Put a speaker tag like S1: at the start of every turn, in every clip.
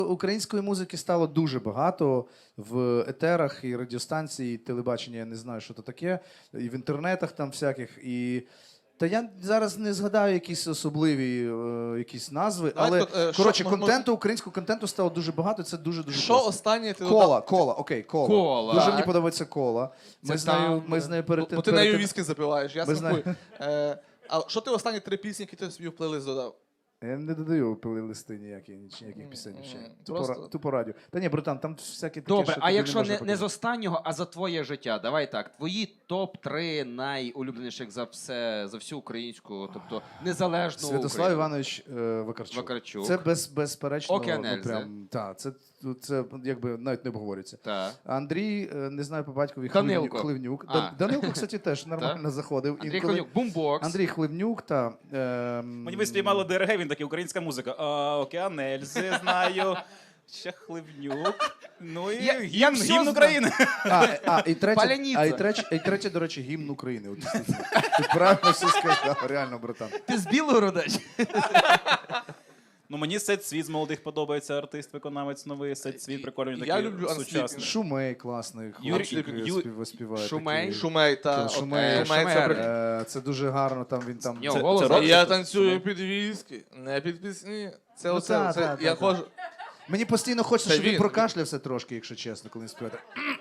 S1: Української музики стало дуже багато в етерах і радіостанції, і телебачення, я не знаю, що це таке, і в інтернетах там всяких. Та я зараз не згадаю якісь особливі якісь назви, але, коротше, українського контенту стало дуже багато, це дуже-дуже
S2: Що останнє ти
S1: додав? Кола, окей, Кола.
S3: Кола.
S1: Дуже мені подобається Кола. Ми з нею перед тим...
S2: Бо ти нею віскі запиваєш, я смакую. А що ти останні 3 пісні, які ти собі в плейлист додав?
S1: Я не додаю плейлисти ніяких пісень. Тупо радіо. Та ні, братан, там всякі такі,
S3: Добре,
S1: що
S3: а
S1: тобі
S3: якщо
S1: можна
S3: не з
S1: показати.
S3: останнього, а за твоє життя, давай так, твої топ-3 найулюбленіших за всю українську, тобто незалежну
S1: Святослав
S3: Україну.
S1: Іванович Вакарчук.
S3: Вакарчук.
S1: Це безперечно,
S3: Океан Ельзи.
S1: це якби навіть не обговорюється.
S3: Так.
S1: Андрій, не знаю по батькові,
S3: Данилко.
S1: Хливнюк.
S3: А.
S1: Данилко, кстати, теж нормально заходив.
S3: Андрій
S1: інколи.
S3: Хливнюк, бумбокс.
S1: Андрій Хливнюк та...
S4: Мені ви спіймали ДРГ, він такий, українська музика. Океан Ельзи знаю, ще Хливнюк. Ну і
S3: Я все
S4: гімн
S3: знаю.
S4: України.
S3: Паляниця.
S1: І третє, до речі, гімн України. От, ти правильно все сказав, реально, братан.
S3: Ти з Білгорода?
S4: Ну мені Сет Світ з молодих подобається, артист, виконавець новий, Сет Світ, прикольний такий,
S2: Я люблю
S4: сучасний.
S1: Шумей класний, хлопчик співає.
S3: Шумей?
S1: такий.
S2: Шумей, та.
S1: Шумей.
S2: Шумей,
S1: Це дуже гарно, там він там...
S3: Нього голос.
S4: рок?
S2: Я танцюю під віскі, не під пісні. Це
S1: Ну,
S2: оце, я ходжу.
S1: Мені постійно хочеться,
S2: Це
S1: щоб він
S2: він.
S1: прокашлявся трошки, якщо чесно, коли він співає.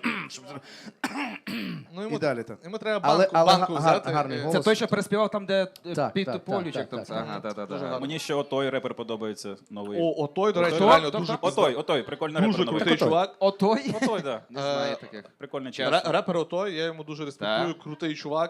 S2: Ну,
S1: І далі так.
S2: Йому треба
S1: Але
S2: банку взяти.
S1: гарний голос.
S3: Це той, що переспівав там, де
S1: Так,
S3: під
S1: так,
S3: Тополючок.
S1: так, так,
S3: Ага,
S2: Дуже
S3: та-та-та.
S2: гарно.
S4: Мені ще отой репер подобається новий.
S2: Отой, до речі,
S4: Отой?
S2: реально
S3: Хто?
S2: дуже
S4: Отой, прикольний репер
S2: дуже
S4: новий.
S2: крутий чувак.
S3: Отой?
S4: Отой, да.
S3: Не знаю таких.
S4: Прикольний час.
S2: Репер Отой, я йому дуже респектую, крутий чувак.